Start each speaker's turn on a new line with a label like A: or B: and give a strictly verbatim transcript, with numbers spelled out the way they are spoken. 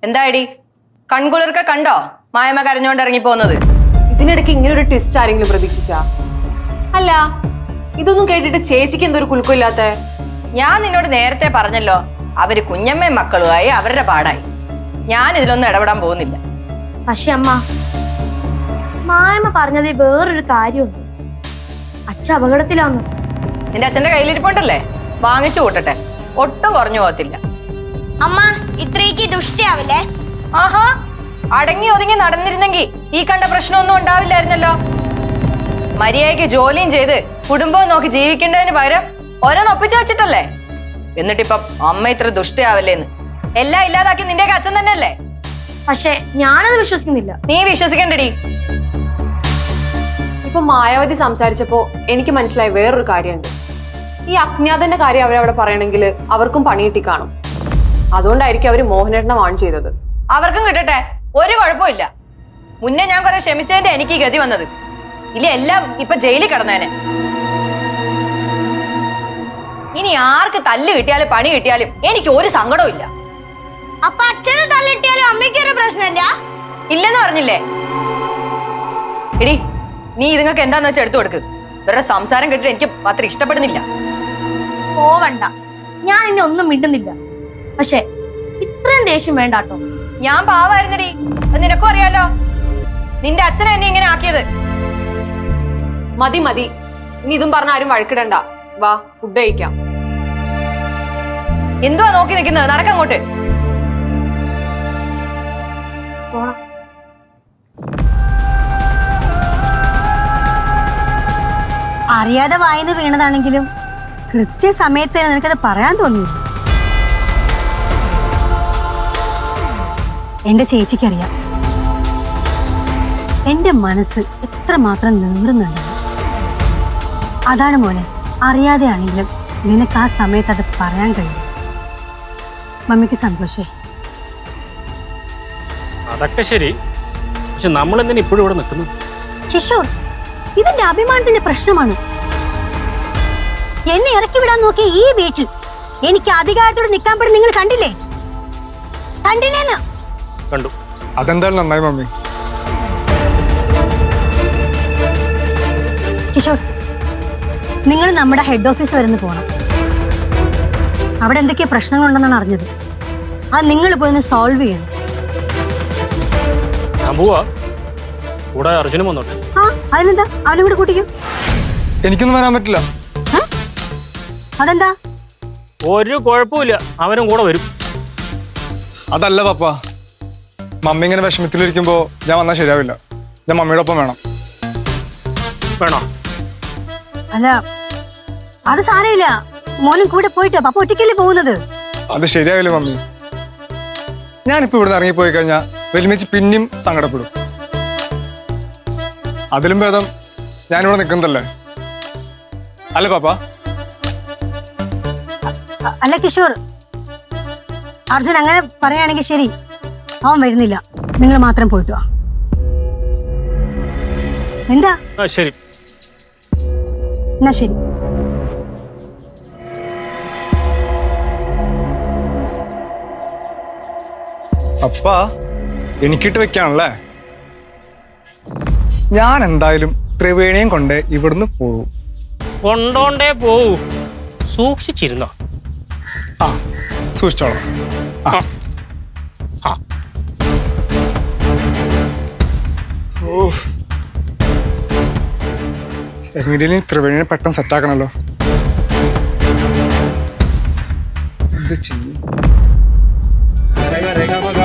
A: എന്താടി കൺകുളിർക്ക കണ്ടോ മായമ്മ കരഞ്ഞോണ്ട് ഇറങ്ങി പോകുന്നത്?
B: ഇതിനിടയ്ക്ക് ഇങ്ങനെ ഒരു ട്വിസ്റ്റ് ആരെങ്കിലും പ്രതീക്ഷിച്ചാ? അല്ല, ഇതൊന്നും കേട്ടിട്ട് ചേച്ചിക്ക് എന്തൊരു കുലുക്കമില്ലാത്ത?
A: ഞാൻ നിന്നോട് നേരത്തെ പറഞ്ഞല്ലോ, അവര് കുഞ്ഞമ്മയും മക്കളുമായി അവരുടെ പാടായി. ഞാൻ ഇതിലൊന്നും ഇടപെടാൻ പോകുന്നില്ല.
C: പക്ഷെ അമ്മ, മായമ്മ പറഞ്ഞതിൽ വേറൊരു കാര്യമുണ്ട്. അച്ഛൻ അപകടത്തിലാന്ന്.
A: നിന്റെ അച്ഛന്റെ കയ്യിലിരിപ്പുണ്ടല്ലേ, വാങ്ങിച്ചു കൂട്ടട്ടെ, ഒട്ടും കുറഞ്ഞു പോകത്തില്ല.
D: അമ്മ ഇത്രയ്ക്ക് ദുഷ്ടിയാവില്ലേ?
A: ആഹാ, അടങ്ങി ഒതുങ്ങി നടന്നിരുന്നെങ്കിൽ ഈ കണ്ട പ്രശ്നമൊന്നും ഉണ്ടാവില്ലായിരുന്നല്ലോ. മര്യാദയ്ക്ക് ജോലിയും ചെയ്ത് കുടുംബവും നോക്കി ജീവിക്കേണ്ടതിന് പകരം ഓരോന്നൊപ്പിച്ചു വെച്ചിട്ടല്ലേ. എന്നിട്ടിപ്പം അമ്മ ഇത്ര ദുഷ്ടയാവല്ലേന്ന് എല്ലാം ഇല്ലാതാക്കി നിന്റെയൊക്കെ അച്ഛൻ തന്നെയല്ലേ.
C: പക്ഷെ ഞാനത് വിശ്വസിക്കുന്നില്ല.
A: നീ വിശ്വസിക്കണ്ടടി.
B: ഇപ്പൊ മായാവതി സംസാരിച്ചപ്പോ എനിക്ക് മനസ്സിലായി വേറൊരു കാര്യമുണ്ട്. ഈ അജ്ഞാതന്റെ കാര്യം അവരവിടെ പറയണമെങ്കിൽ അവർക്കും പണികിട്ടി കാണും. അതുകൊണ്ടായിരിക്കും അവര് മോഹനേട്ടനെ വാൺ ചെയ്തത്.
A: അവർക്കും കിട്ടട്ടെ, ഒരു കുഴപ്പമില്ല. മുന്നേ ഞാൻ കുറെ ക്ഷമിച്ചതിന്റെ എനിക്ക് ഈ ഗതി വന്നത്. ഇല്ല, എല്ലാം ഇപ്പൊ ജയിലിൽ കിടന്നേനെ. ഇനി ആർക്ക് തല്ല് കിട്ടിയാലും പണി കിട്ടിയാലും എനിക്ക് ഒരു സങ്കടവും ഇല്ല.
D: അപ്പൊ അച്ഛനെ തല്ലിട്ടിയാലും അമ്മയ്ക്കൊരു പ്രശ്നമില്ല?
A: ഇല്ലെന്ന് പറഞ്ഞില്ലേ? എടി, നീ ഇതുങ്ങൾക്ക് എന്താന്ന് വെച്ചാൽ എടുത്തു കൊടുക്ക്. ഇവരുടെ സംസാരം കേട്ടിട്ട് എനിക്ക് അത്ര ഇഷ്ടപ്പെടുന്നില്ല.
C: പോവണ്ട, ഞാൻ ഇനി ഒന്നും മിണ്ടുന്നില്ല. പക്ഷെ ഇത്രയും ദേഷ്യം വേണ്ടാട്ടോ.
A: ഞാൻ പാവായിരുന്നടി, അത് നിനക്കും അറിയാലോ. നിന്റെ അച്ഛനെ എന്നെ ഇങ്ങനെ ആക്കിയത്.
B: മതി മതി, ഇനി ഇതും പറഞ്ഞ ആരും വഴക്കിടണ്ട. വാ, ഫുഡ് കഴിക്കാം.
A: എന്തുവാ നോക്കി നിൽക്കുന്നത്? നടക്കങ്ങോട്ട്.
E: അറിയാതെ വായിന്ന് വീണതാണെങ്കിലും കൃത്യസമയത്ത് തന്നെ നിനക്കത് പറയാൻ തോന്നിയില്ല. എന്റെ ചേച്ചിക്കറിയാം എന്റെ മനസ്സ് എത്രമാത്രം നീറുന്നുണ്ട്. അതാണ് മോനെ, അറിയാതെ ആണെങ്കിലും നിനക്ക് ആ സമയത്ത് അത് പറയാൻ കഴിയും. മമ്മിക്ക് സന്തോഷേ.
F: അതൊക്കെ ശരി, പക്ഷെ നമ്മൾ എന്തിനാ ഇപ്പോഴും ഇവിടെ നിൽക്കുന്നു?
E: കിഷോർ, ഇതിന്റെ അഭിമാനത്തിന്റെ പ്രശ്നമാണ്. എന്നെ ഇറക്കി വിടാൻ നോക്കിയ ഈ വീട്ടിൽ എനിക്ക് അധികാരത്തോടെ നിൽക്കാൻ പറ്റും. നിങ്ങൾ കണ്ടില്ലേ? കണ്ടില്ലേന്ന്?
F: കണ്ടു.
G: അതെന്തായാലും നന്നായി മമ്മി.
E: കിഷോർ, നിങ്ങൾ നമ്മുടെ ഹെഡ് ഓഫീസ് വരെ പോകണം. അവിടെ എന്തൊക്കെയോ പ്രശ്നങ്ങളുണ്ടെന്നാണ് അറിഞ്ഞത്. അത് നിങ്ങൾ പോയി ഒന്ന് സോൾവ് ചെയ്യണം.
F: ഞാൻ പോവാ, കൂടെ അർജുനും വന്നോട്ടെ.
E: ആ, അതിനെന്താ, അവനും കൂടെ കൂട്ടിക്കും.
G: എനിക്കൊന്നും വരാൻ പറ്റില്ല.
E: അതെന്താ?
F: ഒരു കുഴപ്പമില്ല, അവനും കൂടെ വരും.
G: അതല്ല പപ്പ, മമ്മി ഇങ്ങനെ വിഷമത്തിലിരിക്കുമ്പോ ഞാൻ വന്നാൽ ശരിയാവില്ല. ഞാൻ മമ്മിയുടെ ഒപ്പം വേണം.
F: വേണോ?
E: അല്ല, അത് സാരമില്ല. മോനും കൂടെ പോയിട്ട് പപ്പ ഒറ്റയ്ക്കല്ലേ പോകുന്നത്.
G: അത് ശരിയാവില്ല മമ്മി. ഞാനിപ്പോ ഇവിടുന്ന് ഇറങ്ങിപ്പോയി കഴിഞ്ഞാൽ വലിമിച്ച് പിന്നെയും സങ്കടപ്പെടും. അതിലും ഭേദം ഞാനിവിടെ നിൽക്കുന്നതല്ലേ, അല്ലേ പാപ്പ?
E: അല്ല കിഷോർ, അർജുൻ അങ്ങനെ പറയുകയാണെങ്കിൽ ശരി, അവൻ വരുന്നില്ല. നിങ്ങൾ മാത്രം പോയിട്ട് വാ. എന്താ?
F: ആ ശരി.
E: എന്നാ ശരി.
G: അപ്പ എനിക്കിട്ട് വെക്കാണല്ലേ. ഞാൻ എന്തായാലും ത്രിവേണിയും കൊണ്ട് ഇവിടുന്ന് പോകും.
F: കൊണ്ടോണ്ടേ പോവൂ, സൂക്ഷിച്ചിരുന്നോ?
G: ആ, സൂക്ഷിച്ചോളാം. ആ
F: ആ.
G: എങ്ങനെയും ത്രിവേണിയെ പെട്ടെന്ന് സെറ്റാക്കണല്ലോ. എന്ത് ചെയ്യും?